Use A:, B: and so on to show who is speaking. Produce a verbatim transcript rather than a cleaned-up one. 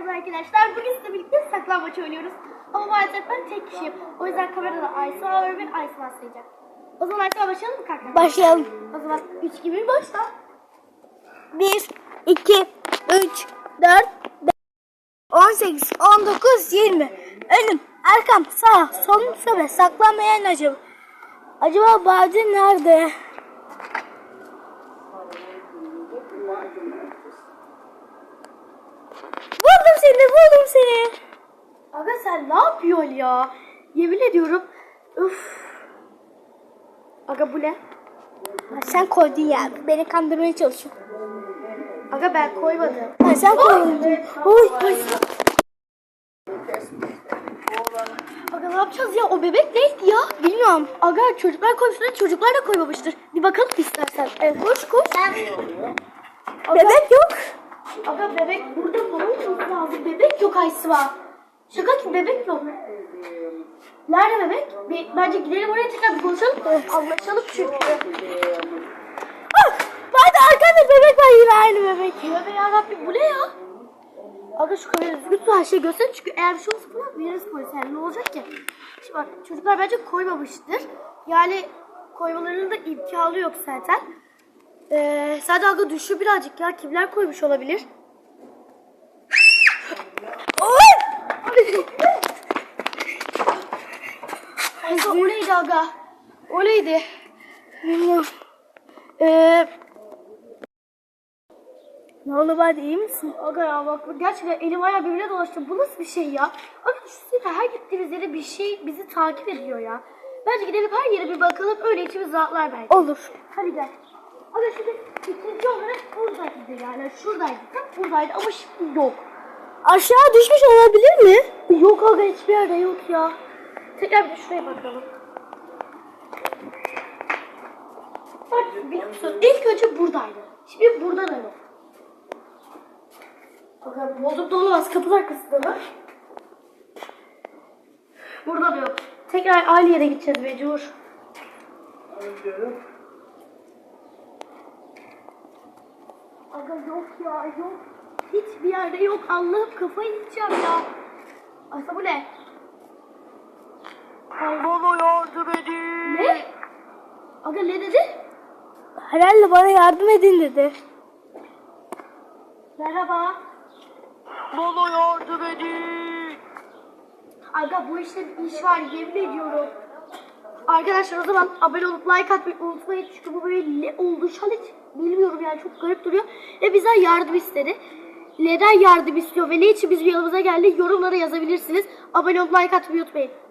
A: Merhaba arkadaşlar. Bugün sizinle birlikte saklambaç oynuyoruz. Ama maalesef ben tek kişiyim. O yüzden kamerada Aysu var ve ben Aysu başlayacak. O zaman Aysu'ya başlayalım mı kanka?
B: Başlayalım.
A: O zaman üç gibi bir başla.
B: bir, iki, üç, dört, beş, on sekiz, on dokuz, yirmi. Önüm, arkam, sağ, solum, sobe. Saklanmayan acaba. Acaba Bade nerede? Buldum seni, buldum seni.
A: Aga sen ne yapıyorsun ya? Yemin ediyorum. Üf. Aga bu ne?
B: Ha, sen koydun ya. Beni kandırmaya çalışıyorsun.
A: Aga ben koymadım.
B: Ha, sen koydun. Oy, oy.
A: Aga ne yapacağız ya? O bebek neydi ya?
B: Bilmiyorum.
A: Aga çocuklar koymuşlar, çocuklar da koymamıştır. Bir bakalım istersen. Evet, koş koş. Aga,
B: Bebek yok.
A: Aga bebek burada falan olması lazım. Bebek yok Aysu'a. Şaka ki bebek yok. Nerede bebek? Bir, bence gidelim oraya tekrar bir konuşalım. Anlaşalım çünkü.
B: Ah, Bade arkanda bebek var, yine aynı bebek.
A: Tövbe yarabbim bu ne ya? Aga şu kamerayı düzgün tut, her şeyi göster çünkü eğer bir şey olursa falan veririz polise. Yani ne olacak ki? Şimdi bak çocuklar bence koymamıştır. Yani koymalarının da imkanı yok zaten. Ee, sadece aga düşüyor birazcık ya. Kimler koymuş olabilir? Ayşe o neydi aga? O neydi?
B: Bilmiyorum.
A: Ee,
B: Ne oldu Bade, iyi misin?
A: aga ya bak gerçekten elim ayağım birbirine dolaştı. Bu nasıl bir şey ya? Aga düşünsene her gittiğimiz yere bir şey bizi takip ediyor ya. Bence gidelim her yere bir bakalım öyle içimiz rahatlar belki.
B: Olur.
A: Hadi gel. Aga şimdi ikinci olarak buradaydı yani şuradaydı. Tam buradaydı ama şimdi yok.
B: Aşağı düşmüş olabilir mi?
A: Yok aga hiçbir yerde yok ya. Tekrar bir de şuraya bakalım. Bak biliyor musun? İlk önce buradaydı. Şimdi burada da yok. Bakalım bozuk da olamaz. Kapının arkasında mı? Burada da yok. Tekrar aynı yere gideceğiz mecbur. Aga yok ya yok. Hiçbir yerde yok. Allah'ım kafayı yiyeceğim ya. Aysa bu ne?
B: Bana yardım edin.
A: Ne? Aga ne dedi?
B: Herhalde bana yardım edin dedi.
A: Merhaba.
B: Bana yardım edin.
A: Aga bu işte bir iş var yemin ediyorum. Arkadaşlar o zaman abone olup like atmayı unutmayın. Çünkü bu böyle ne oldu şu an hiç bilmiyorum yani çok garip duruyor. Ve bizden yardım istedi. Neden yardım istiyor ve ne için bizim yanımıza geldi yorumlara yazabilirsiniz. Abone olup like atmayı unutmayın.